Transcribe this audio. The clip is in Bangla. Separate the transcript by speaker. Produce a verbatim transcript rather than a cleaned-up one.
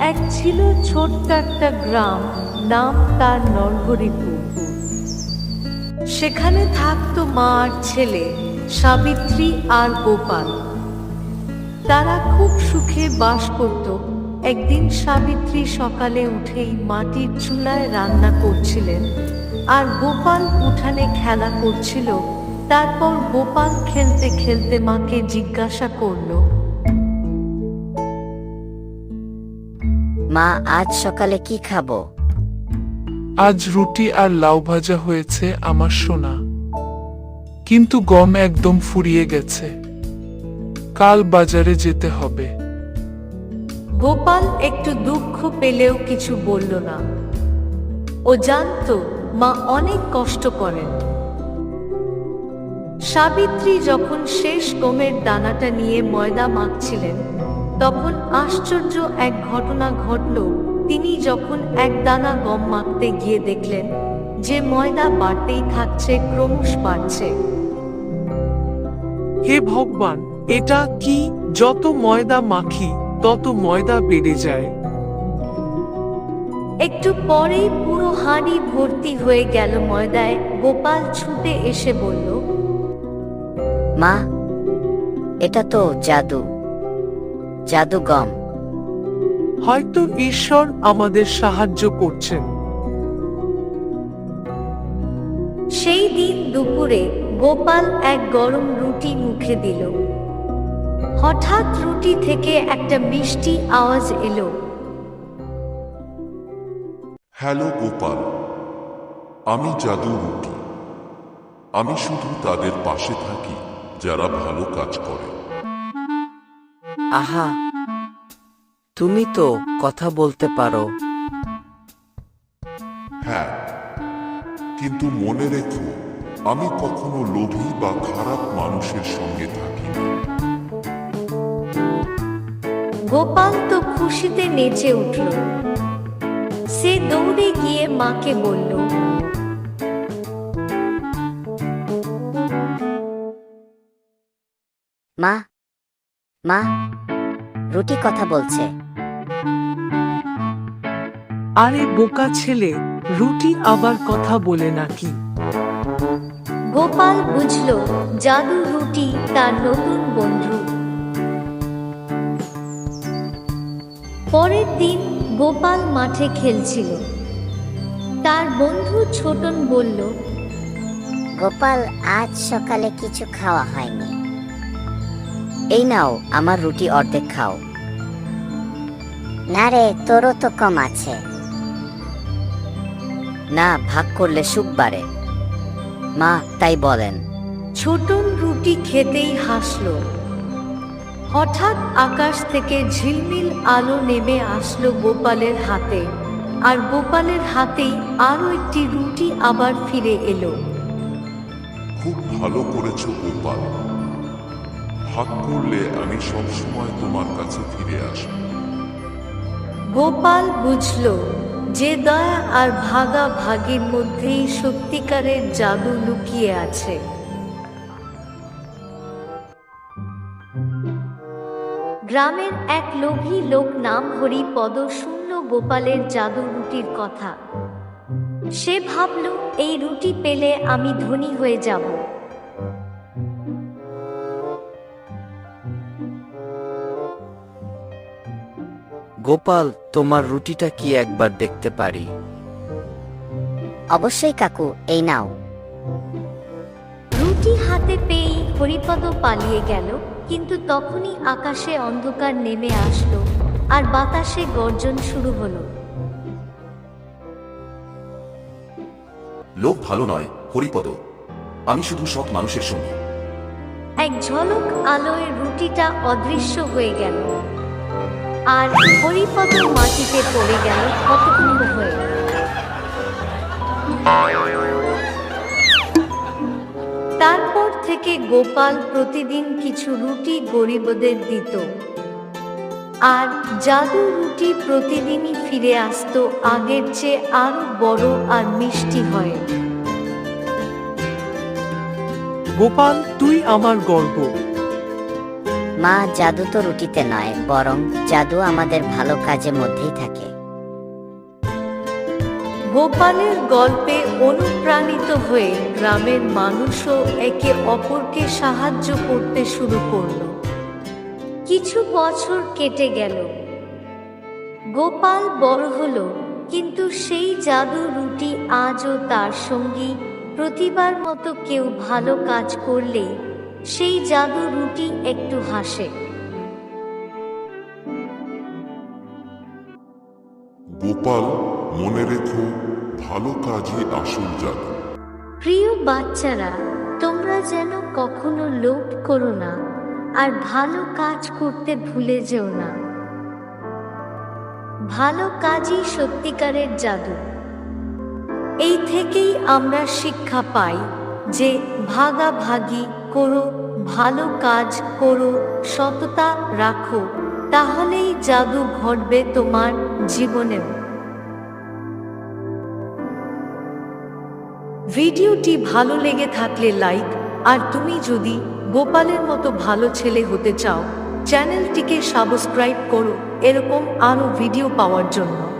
Speaker 1: এক ছিল ছোট্ট একটা গ্রাম, নাম তার নরহরিপুর। সেখানে থাকতো মা আর ছেলে, সাবিত্রী আর গোপাল। তারা খুব সুখে বাস করত। একদিন সাবিত্রী সকালে উঠেই মাটির চুলায় রান্না করছিলেন, আর গোপাল উঠানে খেলা করছিল। তারপর গোপাল খেলতে খেলতে মাকে জিজ্ঞাসা করল,
Speaker 2: মা, আজ সকালে কি খাবো?
Speaker 3: আজ রুটি আর লাউ ভাজা হয়েছে আমার সোনা, কিন্তু গম একদম ফুরিয়ে গেছে। কাল বাজারে যেতে হবে।
Speaker 1: গোপাল একটু দুঃখ পেলেও কিছু বলল না। ও জানতো মা অনেক কষ্ট করেন। সাবিত্রী যখন শেষ গমের দানাটা নিয়ে ময়দা মাখছিলেন, তখন আশ্চর্য এক ঘটনা ঘটল। তিনি যখন এক দানা গম মাখতে গিয়ে দেখলেন যে ময়দা বাড়তেই থাকছে, ক্রমশ বাড়ছে।
Speaker 4: হে ভগবান, এটা কি? যত ময়দা মাখি তত ময়দা বেড়ে যায়।
Speaker 1: একটু পরেই পুরো হাঁড়ি ভর্তি হয়ে গেল ময়দায়। গোপাল ছুটে এসে বলল,
Speaker 2: মা, এটা তো জাদু, জাদু গম।
Speaker 4: হয়তো ঈশ্বর আমাদের সাহায্য করছেন।
Speaker 1: সেই দিন দুপুরে গোপাল এক গরম রুটি মুখে দিল। হঠাৎ রুটি থেকে একটা মিষ্টি আওয়াজ এলো।
Speaker 5: হ্যালো গোপাল, আমি জাদু রুটি। আমি শুধু তাদের পাশে থাকি যারা ভালো কাজ করে।
Speaker 6: আহা, তুমি তো কথা বলতে পারো।
Speaker 5: হ্যাঁ, কিন্তু মনে রেখো, আমি কখনো লোভী বা খারাপ মানুষের সঙ্গে থাকি না।
Speaker 1: গোপাল তো খুশিতে নেচে উঠল। সে দৌড়ে গিয়ে মাকে বলল,
Speaker 2: মা, মা, রুটি কথা বলছে।
Speaker 4: আরে বোকা ছেলে, রুটি আবার কথা বলে নাকি?
Speaker 1: গোপাল বুঝল জাদু রুটি তার নতুন বন্ধু। পরের দিন গোপাল মাঠে খেলছিল। তার বন্ধু ছোটন বলল,
Speaker 2: গোপাল, আজ সকালে কিছু খাওয়া হয়নি। এই নাও, আমার রুটি অর্ধেক খাও। না রে, তোরও তো কম আছে। না, ভাগ করলে সুখ বাড়ে। মা তাই বলেন।
Speaker 1: ছোটন রুটি খেতেই হাসল। হঠাৎ আকাশ থেকে ঝিলমিল আলো নেমে আসলো গোপালের হাতে, আর গোপালের হাতেই আরো একটি রুটি আবার ফিরে এলো।
Speaker 5: খুব ভালো করেছো গোপাল। ভাগ করলে আমি সবসময় তোমার কাছে ফিরে আসব।
Speaker 1: গোপাল বুঝল যে দয়া আর ভাগা ভাগির মধ্যেই সত্যিকারের জাদু লুকিয়ে আছে। গ্রামের এক লোভী লোক নাম হরিপদ শুনল গোপালের জাদু রুটির কথা। সে ভাবল, এই রুটি পেলে আমি ধনী হয়ে যাব।
Speaker 6: গোপাল, তোমার রুটিটা কি একবার দেখতে পারি?
Speaker 2: অবশ্যই কাকু, এই নাও।
Speaker 1: রুটি হাতে পেয়েই হরিপদ পালিয়ে গেল, কিন্তু তখনই আকাশে অন্ধকার নেমে আসলো আর বাতাসে গর্জন শুরু হলো।
Speaker 7: লোক ভালো নয় হরিপদ, আমি শুধু সৎ মানুষের সঙ্গী।
Speaker 1: এক ঝলক আলোয় রুটিটা অদৃশ্য হয়ে গেল, আর হরিপদ মাটিতে পড়ে গেল হতভম্ব হয়ে। তারপর থেকে গোপাল প্রতিদিন কিছু রুটি গরিবদের দিত, আর জাদু রুটি প্রতিদিনই ফিরে আসতো আগের চেয়ে আরো বড় আর মিষ্টি হয়।
Speaker 4: গোপাল, তুই আমার গর্ব।
Speaker 2: মা, জাদু তো রুটিতে নয়, বরং জাদু আমাদের ভালো কাজের মধ্যেই থাকে।
Speaker 1: গোপালের গল্পে অনুপ্রাণিত হয়ে গ্রামের মানুষও একে অপরকে সাহায্য করতে শুরু করল। কিছু বছর কেটে গেল, গোপাল বড় হলো, কিন্তু সেই জাদু রুটি আজও তার সঙ্গী। প্রতিবার মতো কেউ ভালো কাজ করলে সেই জাদু রুটি একটু হাসে।
Speaker 5: গোপাল, মনে রেখো, ভালো কাজই আসল জাদু।
Speaker 1: প্রিয় বাচ্চারা, তোমরা যেন কখনো লোভ করো না, আর ভালো কাজ করতে ভুলে যেও না। ভালো কাজই সত্যিকারের জাদু। এই থেকেই আমরা শিক্ষা পাই যে ভাগাভাগি করো, ভালো কাজ করো, সততা রাখো, তাহলেই জাদু ঘটবে তোমার জীবনেও। ভিডিওটি ভালো লেগে থাকলে লাইক, আর তুমি যদি গোপালের মতো ভালো ছেলে হতে চাও, চ্যানেলটিকে সাবস্ক্রাইব করো এরকম আরও ভিডিও পাওয়ার জন্য।